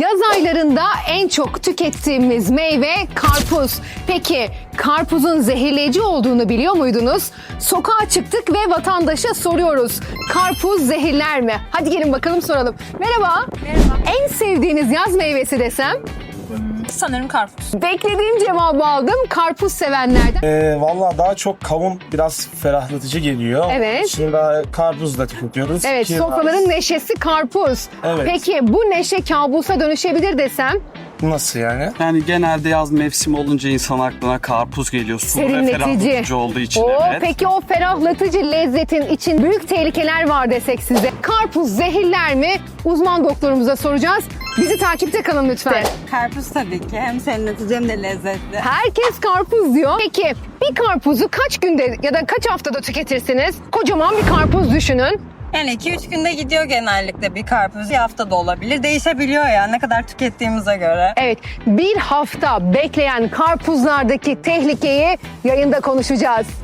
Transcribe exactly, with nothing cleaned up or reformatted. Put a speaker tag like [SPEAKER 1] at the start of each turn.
[SPEAKER 1] Yaz aylarında en çok tükettiğimiz meyve karpuz. Peki karpuzun zehirleyici olduğunu biliyor muydunuz? Sokağa çıktık ve vatandaşa soruyoruz. Karpuz zehirler mi? Hadi gelin bakalım soralım. Merhaba.
[SPEAKER 2] Merhaba.
[SPEAKER 1] En sevdiğiniz yaz meyvesi desem?
[SPEAKER 2] Sanırım karpuz.
[SPEAKER 1] Beklediğim cevabı aldım. Karpuz sevenlerden.
[SPEAKER 3] Ee, Valla daha çok kavun biraz ferahlatıcı geliyor.
[SPEAKER 1] Evet.
[SPEAKER 3] Şimdi daha karpuz da tüketiyoruz.
[SPEAKER 1] Evet,
[SPEAKER 3] Ki-
[SPEAKER 1] sofraların neşesi karpuz.
[SPEAKER 3] Evet.
[SPEAKER 1] Peki bu neşe kabusa dönüşebilir desem?
[SPEAKER 3] Nasıl yani?
[SPEAKER 4] Yani genelde yaz mevsimi olunca insan aklına karpuz geliyor. Sulu ve
[SPEAKER 1] Serinletici.
[SPEAKER 4] ferahlatıcı olduğu için.
[SPEAKER 1] Oo,
[SPEAKER 4] evet.
[SPEAKER 1] Peki o ferahlatıcı lezzetin için büyük tehlikeler var desek size. Karpuz zehirler mi? Uzman doktorumuza soracağız. Bizi takipte kalın lütfen.
[SPEAKER 2] Karpuz tabii ki. Hem serinletici hem de lezzetli.
[SPEAKER 1] Herkes karpuz diyor. Peki bir karpuzu kaç günde ya da kaç haftada tüketirsiniz? Kocaman bir karpuz düşünün.
[SPEAKER 2] Yani iki üç günde gidiyor genellikle bir karpuz. Bir hafta da olabilir. Değişebiliyor ya ne kadar tükettiğimize göre.
[SPEAKER 1] Evet, bir hafta bekleyen karpuzlardaki tehlikeyi yayında konuşacağız.